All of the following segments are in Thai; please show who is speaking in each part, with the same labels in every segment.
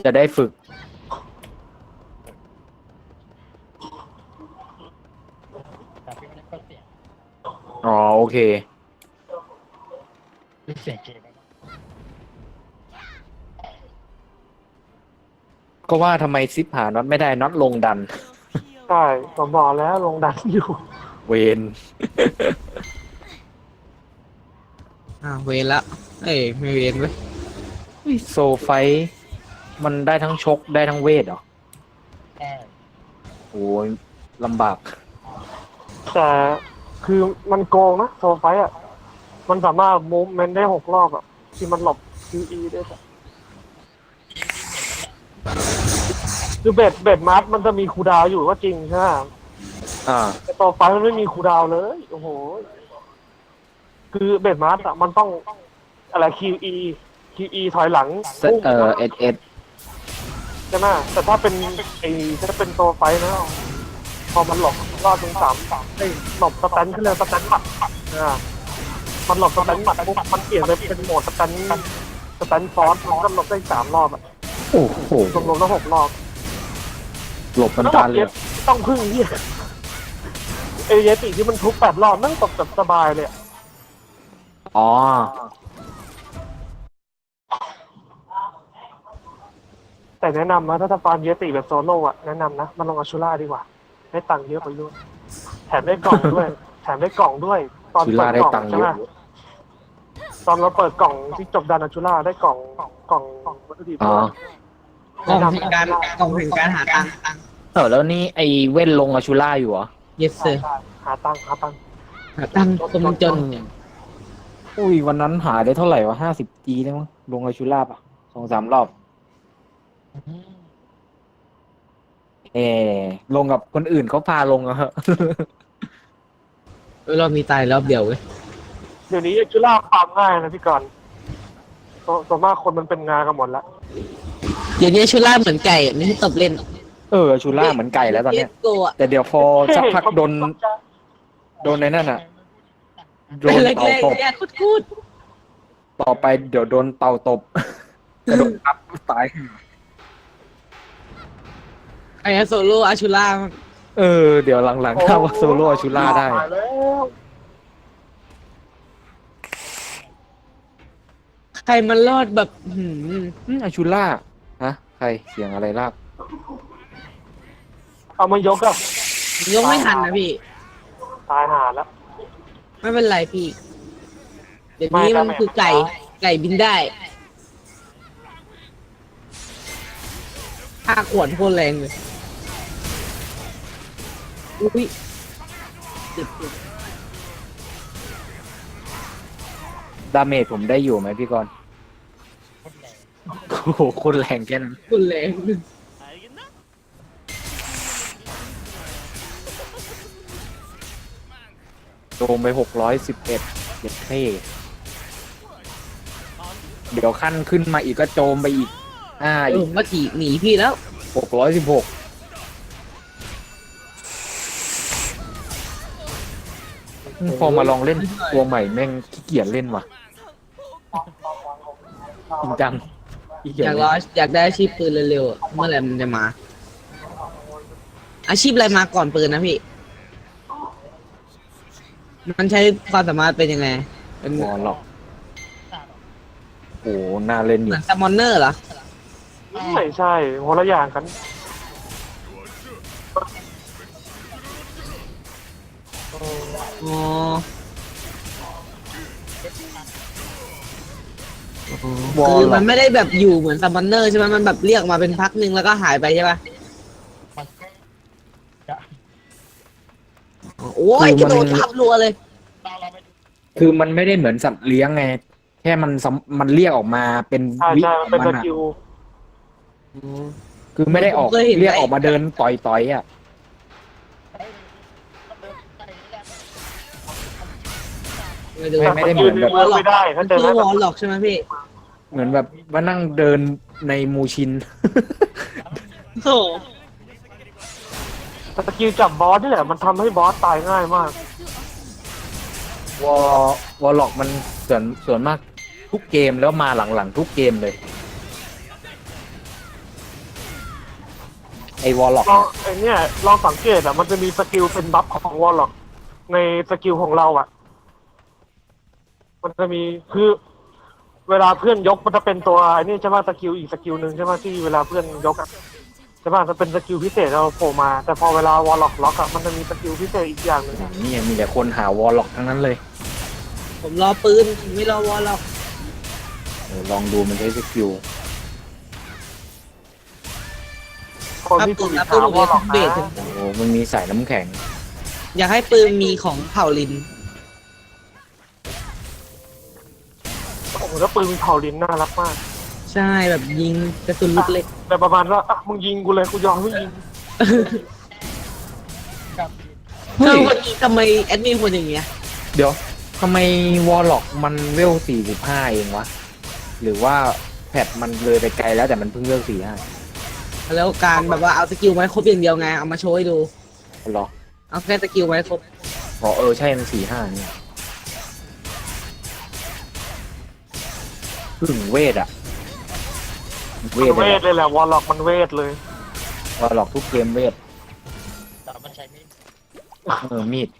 Speaker 1: จะได้ฝึก
Speaker 2: แต่พี่ไม่ได้ก็เสียง
Speaker 1: อ๋อโอเค
Speaker 2: เสียงเกม
Speaker 1: ก็ว่าทำไมซิปหาน็อตไม่ได้น็อตลงดัน
Speaker 3: ใช่ผมบอกแล้วลงดันอยู่
Speaker 1: เวน
Speaker 4: เวรละเอ้ยไม่เวรเว้ย
Speaker 1: โซไฟท์มันได้ทั้งชกได้ทั้งเวทเหรอ
Speaker 2: ใช่
Speaker 1: โอ้ยลำบาก
Speaker 3: แต่คือมันโกงนะโซไฟอ่ะมันสามารถมูฟเมนต์ได้6 รอบอ่ะที่มันหลบ QE ได้อะคือเบ็ดมาร์ทมันจะมีคูลดาวน์อยู่ก็จริงใช่ไหม
Speaker 1: อ่า
Speaker 3: แต่โซไฟมันไม่มีคูลดาวน์เลยโอ้โหคือเบ็ดมาร์ทอ่ะมันต้องอะไร QE ถอยหลังพุ่ง
Speaker 1: เอ็ด
Speaker 3: ใช่ไหมแต่ถ้าเป็นถ้าเป็นโซไฟนะพอมันหลบรอบถึง3หลบสแตนขึ้นเลยสแตนหมัดมันหลบสแตนหมัดปุ๊บมันเปลี่ยนไปเป็นโหมดสแตนฟอสมันก็หลบได้3 รอบอ่ะ
Speaker 1: โอ้โห
Speaker 3: รวมๆแล้ว6 รอบ
Speaker 1: หลบมันตาเลย
Speaker 3: ต้องพึ่งเนี่ยเอเยติที่มันทุบ8 รอบนั่งตบแบบสบายเลยอะ
Speaker 1: อ๋อ
Speaker 3: แต่แนะนำนะถ้าจะฟาร์มเยติแบบโซโล่อะแนะนำนะมันลงอาชูล่าดีกว่าได้ตังค์เยอะกว่าด้วยแถมได้กล่องด้วย ตอน
Speaker 1: ชู
Speaker 3: เปิ
Speaker 1: ล่า
Speaker 3: ด
Speaker 1: ได้
Speaker 3: กล่อง
Speaker 1: ตังค์เย
Speaker 3: ใช่ไหม
Speaker 1: อะ
Speaker 3: ตอนเราเปิดกล่องที่จบดันอาชูล่าได้กล่องวัตถุดิบ
Speaker 1: อ๋อ
Speaker 4: กล่องแห่งการกล่องแห่งการหาตังค์
Speaker 1: แล้วนี่ไอเว้นลงอาชูล่าอยู่เหรอ
Speaker 4: yes sir
Speaker 3: หาตังค์
Speaker 4: หาตังค์คนจน
Speaker 1: อุ้ยวันนั้นหาได้เท่าไหร่วะ50Gได้มั้งลงอาชูล่าป่ะ2-3 รอบลงกับคนอื่นเขาพาลงอะฮะ
Speaker 4: เรามีตายรอบเดียวเว้ย
Speaker 3: เดี๋ยวนี้อาชูล่าฟาร์มง่ายนะพี่กรณ์ส่วนมากคนมันเป็นงากันหมดแล้ว
Speaker 4: เดี๋ยวนี้ชุล่าเหมือนไก่ไม่ให้ตบเล่น
Speaker 1: อาชูล่าเหมือนไก่แล้วตอนเนี้ย
Speaker 4: โกะ
Speaker 1: แต่เดี๋ยวพอสักพักโดนในนั่นอ่ะโดน
Speaker 4: แร
Speaker 1: เต่าก ตบ
Speaker 4: ๆเนี่ยคูด
Speaker 1: ต่อไปเดี๋ยวโดนเต่าตบกระโดดทับตาย
Speaker 4: ไอ้โซโล่อาชูล่า
Speaker 1: เดี๋ยวหลังๆถ้าว่าโซโล่อาชูล่าได้
Speaker 3: ตายแล้ว
Speaker 4: ใครมันรอดแบบ
Speaker 1: อาชูล่าฮะใครเสียงอะไรลาก
Speaker 3: เอามายกอะ
Speaker 4: ยกไม่ทันนะพี่
Speaker 3: ตายหาแล้ว
Speaker 4: ไม่เป็นไรพี่ เดี๋ยวนี้มันคือไก่บินได้ค่าขวดโคตรแรงเลยอุ้ยเจ็บ
Speaker 1: ดาเมจผมได้อยู่ไหมพี่กรณ์
Speaker 2: คนแรง
Speaker 1: โอ้โหโคนแรงแค่นั้น
Speaker 4: คุณแรง
Speaker 1: โดมไป611เจ็ดเท่เดี๋ยวขั้นขึ้นมาอีกก็โจมไปอีกอี
Speaker 4: ผ
Speaker 1: ก
Speaker 4: มก็ขี่หนีพี่แล้ว
Speaker 1: 616พอมาลองเล่นตัวใหม่แม่งขี้เกียจเล่นว่ะจริงจังขี้เกียจ
Speaker 4: อยาก
Speaker 1: เล่น
Speaker 4: อยากได้อาชีพปืนเร็วๆอะเมื่อไหร่มันจะมา อาชีพอะไรมาก่อนปืนนะพี่ มันใช้ความสามารถเป็นยังไง เป็น
Speaker 1: วอลล็อกโอ้น่าเล่นอ
Speaker 4: เห
Speaker 1: ยู่
Speaker 4: มือนซัมมอนเนอร์เหรอ
Speaker 3: ไม่ใช่คนละอย่างกัน
Speaker 4: อ๋อ
Speaker 1: วอล
Speaker 4: คือ
Speaker 1: ล็
Speaker 4: มั
Speaker 1: อก
Speaker 4: นไม่ได้แบบอยู่เหมือนซัมมอนเนอร์ใช่ไหมมันแบบเรียกมาเป็นพักหนึ่งแล้วก็หายไปใช่ปะ
Speaker 2: มันก็
Speaker 4: โอ้ยกระโดดทับรัวเลย
Speaker 2: เราไปดู
Speaker 1: คือมันไม่ได้เหมือนสัตว์เลี้ยงไง แค่มันเรียกออกมาเป็น
Speaker 3: ใช่
Speaker 1: วิ
Speaker 3: ใช่
Speaker 1: ข
Speaker 3: มั
Speaker 1: อน ง
Speaker 3: เป็น
Speaker 1: มันอะ
Speaker 3: สกิล
Speaker 1: คือไม่ได้ออก
Speaker 4: ผมเคยเห็น
Speaker 1: เรียกออกมาเดินต่อยอ่ะ
Speaker 4: ไม่ดู
Speaker 1: ไม่ได้เหมือนแบบ
Speaker 3: ไม่ได้ถ้าเจอ
Speaker 4: คือ
Speaker 3: ได้
Speaker 4: ว
Speaker 3: แบ
Speaker 4: อบ ลล็อกใช่ไหมพี่
Speaker 1: เหมือนแบบว่านั่งเดินในมูชิน
Speaker 4: โอ้
Speaker 3: สกิลจับบอสนี่แหละมันทำให้บอสตายง่ายมาก
Speaker 1: วอลล็อกมันส่วนมากทุกเกมแล้วมาหลังๆทุกเกมเลยไอวอลล็อก
Speaker 3: ลองไอเนี่ยลองสังเกตอ่ะมันจะมีสกิลเป็นบัฟของวอลล็อกในสกิลของเราอ่ะ มันจะมีคือเวลาเพื่อนยกมันจะเป็นตัวไอ้นี่ใช่ไหมสกิลอีกสกิลหนึ่งใช่ไหมที่เวลาเพื่อนยกอ่ะใช่ไหมจะเป็นสกิลพิเศษเราโผล่มาแต่พอเวลาวอลล็อกล็อกอ่ะมันจะมีสกิลพิเศษอีกอย่างหนึ่งอะ
Speaker 1: นี่มีแต่คนหาวอลล็อกทั้งนั้นเลย
Speaker 4: ผมรอปืนไม่รอวอลหรอก
Speaker 1: ลองดูมันใช้สกิล
Speaker 3: คน
Speaker 4: ถ้า
Speaker 3: ที่
Speaker 4: ปื
Speaker 3: ถู
Speaker 4: น
Speaker 3: ก
Speaker 4: นะ
Speaker 3: ถา
Speaker 4: ปืน
Speaker 3: ม
Speaker 4: ผม
Speaker 3: วอล
Speaker 4: จะ
Speaker 3: ล็อก
Speaker 4: เบร
Speaker 3: นะ
Speaker 4: ก
Speaker 1: โอ้โหมันมีสายน้ำแข็ง
Speaker 4: อยากให้ปืนมีของเผ่าลิน
Speaker 3: โอ้โหแล้วปืนมีเผาลิ้นน่ารักมาก
Speaker 4: ใช่แบบยิงกระสุนลูกเล็ก
Speaker 3: แต่ประมาณว่าอ่ะมึงยิงกูเลยกูยอมไม่ยิง
Speaker 2: กับ
Speaker 1: เฮ้
Speaker 4: ถ้าย วันนี้ทำไมแอดมินคนอย่างเงี้ย
Speaker 1: เดี๋ยวทำไมวอลล็อกมันเวล45เองวะ หรือว่าแพทมันเลยไปไกลแล้วแต่มันเพิ่งเวล45
Speaker 4: แล้วการแบบว่าเอาสกิลไว้ครบอย่างเดียวไงเอามาโชว์ให้ดู
Speaker 1: หรอ
Speaker 4: เอาแค่สกิลไว้ครบ
Speaker 1: อ๋อใช่มัน45เนี่ยพึ่งเวทอะเว
Speaker 3: มัน
Speaker 1: ท
Speaker 3: เวทเลยแหละวอลล็อกมันเวทเลย
Speaker 1: วอลล็อกทุกเกมเวท
Speaker 2: แต่มันใช้ไม่
Speaker 1: มีด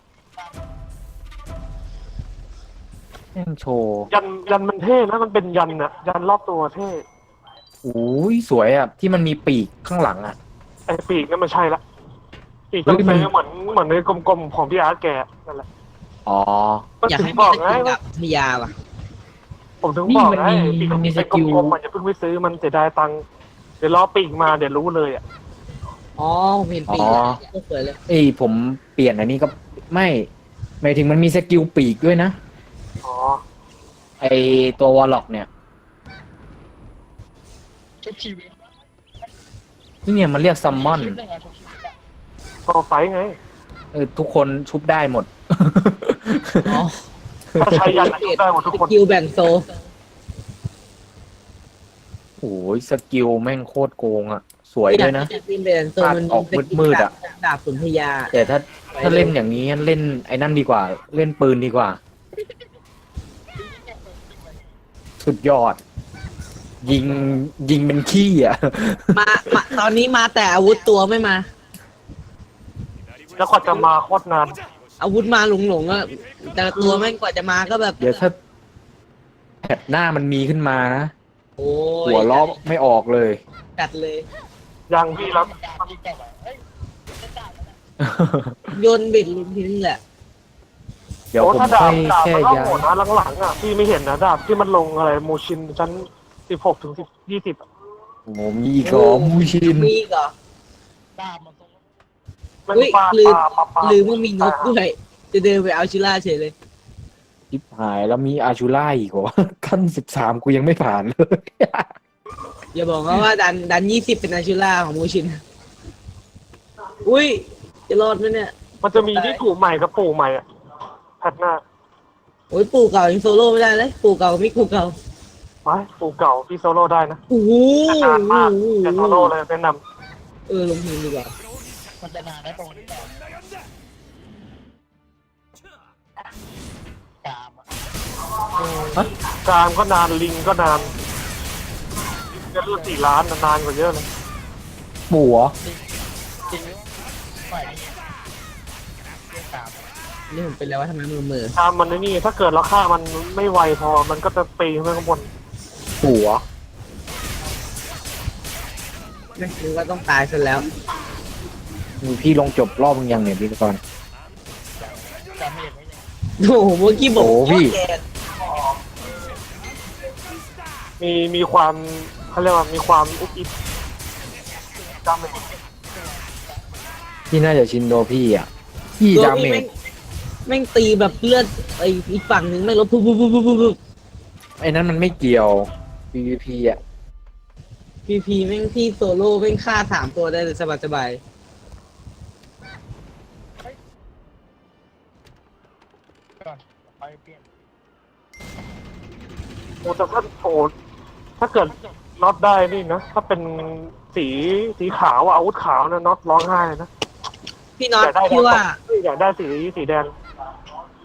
Speaker 1: แม่งโชว์
Speaker 3: ยันมันเท่นะมันเป็นยันอะยันรอบตัวเท่
Speaker 1: โอ้ยสวยอะที่มันมีปีกข้างหลังอะ
Speaker 3: ไอ้ปีกนั่นมันใช่ละปีก
Speaker 1: เฮ้
Speaker 3: ต้อง
Speaker 1: ยมัน
Speaker 3: ซื้อเหมือนในกลมๆของพี่อาร์ตแกนั่นแหละ
Speaker 1: อ๋อ
Speaker 3: ก็
Speaker 4: อยาก
Speaker 3: ถึง
Speaker 4: ให้
Speaker 3: บ
Speaker 4: มี
Speaker 3: อก
Speaker 4: ส
Speaker 3: ไง
Speaker 4: กิลแบบพยาว่ะ
Speaker 3: ผมถึงบอกไง
Speaker 1: นี่มันมี
Speaker 3: ไอ้
Speaker 1: สกิล
Speaker 3: กลมๆมันจะเพิ่งไปซื้อมันเสียดายตังค์เดี๋ยวรอปีกมาเดี๋ยวรู้เลยอ่ะ
Speaker 4: อ๋อผมเห็นปีกก็สวยเลย
Speaker 1: เอ้ยผมเปลี่ยนอันนี้ก็ไม่หมายถึงมันมีสกิลปีกด้วยนะ
Speaker 3: อ๋อ
Speaker 1: ไอตัววอลล็อกเนี่ย
Speaker 2: ทุกชีวิต
Speaker 1: นี่เนี่ยมันเรียกซัมมอน
Speaker 2: ชีวิตได้ไงทุกชีวิตอะ
Speaker 3: ก็ไฟไง
Speaker 1: ทุกคนชุบได้หมด
Speaker 4: อ๋อ
Speaker 3: ถ้าใช้ยันอะได้หมดทุก
Speaker 4: ส
Speaker 3: คน
Speaker 4: กิลแบ่งโซ
Speaker 1: โอ้ยสกิลแม่งโคตรโกงอ่ะ สวยด้วยนะ
Speaker 4: สกิลแบ่งโซมัน
Speaker 1: ออกมืดๆอะ
Speaker 4: ดาบสุนทยา
Speaker 1: แต่ถ้าเล่นอย่างนี้เล่นไอ้นั่นดีกว่า เล่นปืนดีกว่า สุดยอด ยิงเป็นขี้อ่ะ
Speaker 4: มาตอนนี้มาแต่อาวุธตัวไม่มา
Speaker 3: แล้วก็จะมาโคตรนาน
Speaker 4: อาวุธมาหลงๆอะแต่ละตัวแม่งกว่าจะมาก็แบบ
Speaker 1: เดี๋ยวถ้าแผดหน้ามันมีขึ้นมานะ
Speaker 4: โอ้ย
Speaker 1: หัวล้อไม่ออกเลย
Speaker 4: จัดเลย
Speaker 3: ยังพี่รับ
Speaker 2: มันดาบที่เก่าอะเฮ้ยไม่ได้แล้วนะ
Speaker 4: โยนบิดลินทิ้งแหละ
Speaker 1: เดี๋ยว
Speaker 3: โอ้
Speaker 1: ผม
Speaker 3: ถ้าดา
Speaker 1: ค่อบ ย
Speaker 3: ดาบ
Speaker 1: แค่
Speaker 3: มันก็
Speaker 1: ย้า
Speaker 3: โหด
Speaker 1: ย
Speaker 3: นะหลังๆอ่ะพี่ไม่เห็นนะดาบที่มันลงอะไรโมชินชั้น16 ถึง 20
Speaker 1: โอ้โหมีอีกเหรอมูชิน
Speaker 4: มีอีกเหรอ
Speaker 2: ดาบมันทรง
Speaker 3: มัน
Speaker 4: เฮ้ย
Speaker 3: ปลา
Speaker 4: ลืม
Speaker 3: ปลา
Speaker 4: ลืมว่ามีนกด้วย จะเดินไปเอาชิล่าเฉยเลย
Speaker 1: ชิบหายแล้วมีอาชูล่าอีกเหรอ ขั้น13กูยังไม่ผ่านเลย
Speaker 4: อย่าบอกว่าดัน20เป็นอาชิล่าของมูชิน อุ้ย จะรอดไหมเนี่ย
Speaker 3: มันจะมีที่ถูกใหม่กับปู่ใหม่อ่ะแพทหน้า
Speaker 4: โอ้ยปู่เก่ายังโซโล่ไม่ได้เลย ปู่เก่ากับมิกูเก่า
Speaker 3: ไปปู่เก่าพี่โซโล่ได้นะ
Speaker 4: โอ้โห
Speaker 3: แต่นานมากแต่โซโล่เลยแนะน
Speaker 4: ลงทีมดีกว่า
Speaker 2: มันจะนานได้ตรงนี้แต่กามอะ
Speaker 3: ำกลางก็นานลิงก็นานจะรูด4 ล้านนานกว่าเยอะเลย
Speaker 1: ปู่เหรอ
Speaker 2: จริงๆฝ่ายนี้เรื่องกามอะ
Speaker 4: นี่ผมเป็นแล้วว่าทำไมมือ
Speaker 3: ตามมันไอ้นี่ถ้าเกิดเราฆ่ามันไม่ไวพอมันก็จะปีนขึ้นไปข้างบน
Speaker 1: ปู่เหรอ
Speaker 4: ไม่รู้ว่าต้องตายซะแล้ว
Speaker 1: มีพี่ลงจบรอบมึงยังเนี่ยพี่กรณ์
Speaker 2: จำไม่เห็นไว้ยัง
Speaker 4: โอ้โหเมื่อกี้บอก
Speaker 1: โอ้พี่
Speaker 4: แก
Speaker 3: มีความเขาเรียกว่ามีความอุบอิบจำไม่ได้
Speaker 1: พี่น่าจะชินโดพี่อ่ะ พี่
Speaker 4: ตัว
Speaker 1: ดาเม
Speaker 4: พี่
Speaker 1: จ
Speaker 4: แม่งตีแบบเลือดไอ้อีกฝั่งหนึ่งไม่ลดปุ๊บ
Speaker 1: ไอ้นั้นมันไม่เกี่ยว PVP อ่ะ
Speaker 4: พีแม่งพี่โซโล่แม่งฆ่า3 ตัวได้เลยสบาย
Speaker 2: ก่อนไปเปลี่ยน
Speaker 3: โอ้แต่ถ้าเกิดน็อตได้นี่นะถ้าเป็นสีขาวอะอาวุธขาวนะน็อตร้องไห้เลยนะ
Speaker 4: ๆพี่น็อต
Speaker 3: อยากได้
Speaker 4: พี่ว่า
Speaker 3: อยากได้สีแดง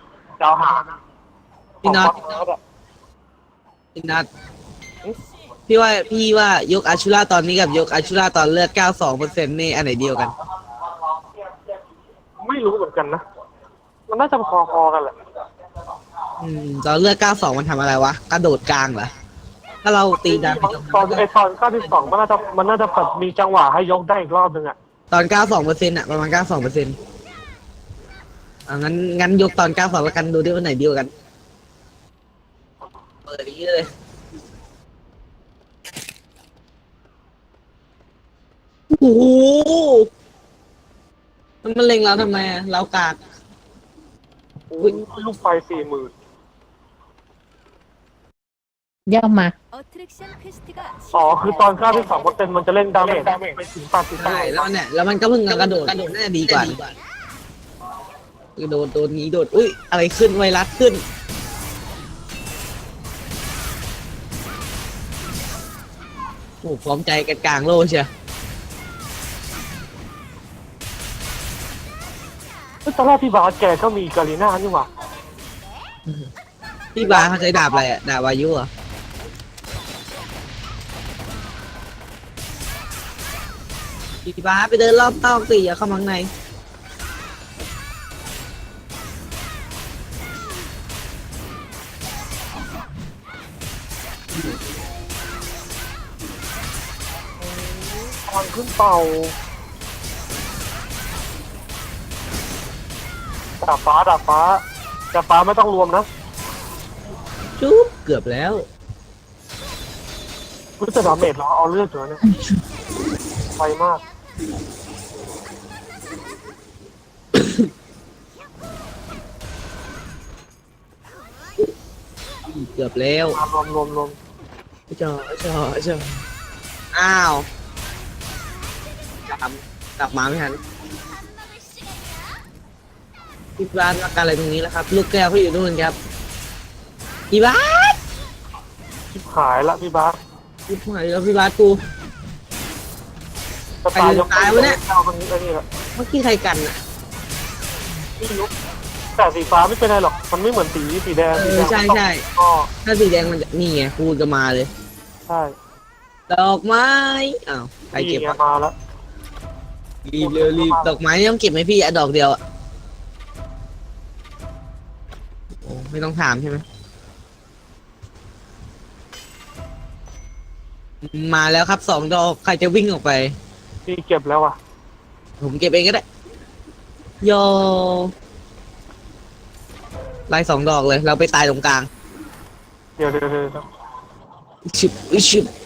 Speaker 3: ดาวหาง
Speaker 4: พี่น็อต
Speaker 3: ของน็อตอะ
Speaker 4: พี่น็อตพี่ว่ายกอาชูราตอนนี้กับยกอาชูราตอนเลือด 92%นี่อันไหนเดียวกัน
Speaker 3: ไม่รู้เหมือนกันนะ มันน่าจะพอๆกันแหละ
Speaker 4: ตอนเลือด 92 มันทำอะไรวะ กระโดดกลางเหรอ ถ้าเราตีดาเมจ
Speaker 3: ตอน92มันน่าจะแบบมีจังหวะให้ยกได้อีกรอบนึงอ่ะ
Speaker 4: ตอน 92%อ่ะ ประมาณ 92%งั้นยกตอน 92 แล้วกันดูด้วยว่าไหนเดียวกัน เปิดอย่างนี้เลย โอ้โหมันเล็งเราทำไมอะเรากาก
Speaker 3: อุ้ยลูกไฟ40,000
Speaker 1: ย่อมา
Speaker 3: อ๋อ คือตอน92%มันจะเล่นดาเมจไปถึง80
Speaker 4: ใช่แล้วเนี่ยแล้วมันก็เพิ่งกระโดดน่าจะดีกว่ากระโดดโดนนี้โดดอุ้ยอะไรขึ้นไวรัสขึ้นโอ้พร้อมใจกันกลางโลกเชียว
Speaker 3: ตอนแรกพี่บาสแกก็มีกาลิน่านี่หว่า
Speaker 4: พี่บาเขาใช้ดาบอะไรอ่ะดาบวายุเหรอ่ะพี่บาไปเดินรอบนอกสิอย่าเข้ามาข้างใน
Speaker 3: ทางขึ้นเป่าดาบฟ้าไม่ต้องรวมนะ
Speaker 4: จุ๊บเกือบแล้ว
Speaker 3: รู้จะดาเมจเหรอเอาเลือดเหรอเนี่ยไฟมาก
Speaker 4: เกือบแล้ว
Speaker 3: รวม
Speaker 4: จออ้าวกลับมาไม่ทันพี่บาสมากันอะไรตรงนี้แล้วครับ ลูกแก้วเขาอยู่นู่นครับพี่บาส
Speaker 3: ชิบหายละพี่บาส
Speaker 4: พี่หายแล้วพี่บาสกู
Speaker 3: จะตายยก
Speaker 4: ตายวะเนี่ย
Speaker 3: เอาคนนี้ไอ้นี่แหละ
Speaker 4: เมื่อกี้ใครกันอ่ะ
Speaker 3: พี่ยุบแต่สีฟ้าไม่เป็นไรหรอกมันไม่เหมือนสีแดง
Speaker 4: เอ
Speaker 3: สี
Speaker 4: อ
Speaker 3: แดง
Speaker 4: ใช่
Speaker 3: มันต้อง
Speaker 4: ใช่
Speaker 3: ก็
Speaker 4: ถ้าสีแดงมันจะนี่ไงพูดจะมาเลย
Speaker 3: ใช่
Speaker 4: ดอกไม้อ้าวใครเก็บ
Speaker 3: นี่ไง
Speaker 4: วะ
Speaker 3: มาแล้ว
Speaker 4: รีบเร็วรีบดอกไม้นี่ต้องเก็บไหมพี่อะดอกเดียวอะโอ้ไม่ต้องถามใช่ไหมมาแล้วครับ2 ดอกใครจะวิ่งออกไป
Speaker 3: พี่เก็บแล้วอ่ะ
Speaker 4: ผมเก็บเองก็ได้โยไล่2 ดอกเลย เราไปตายตรงกลาง
Speaker 3: เดี๋ยว
Speaker 4: ชึบชึบ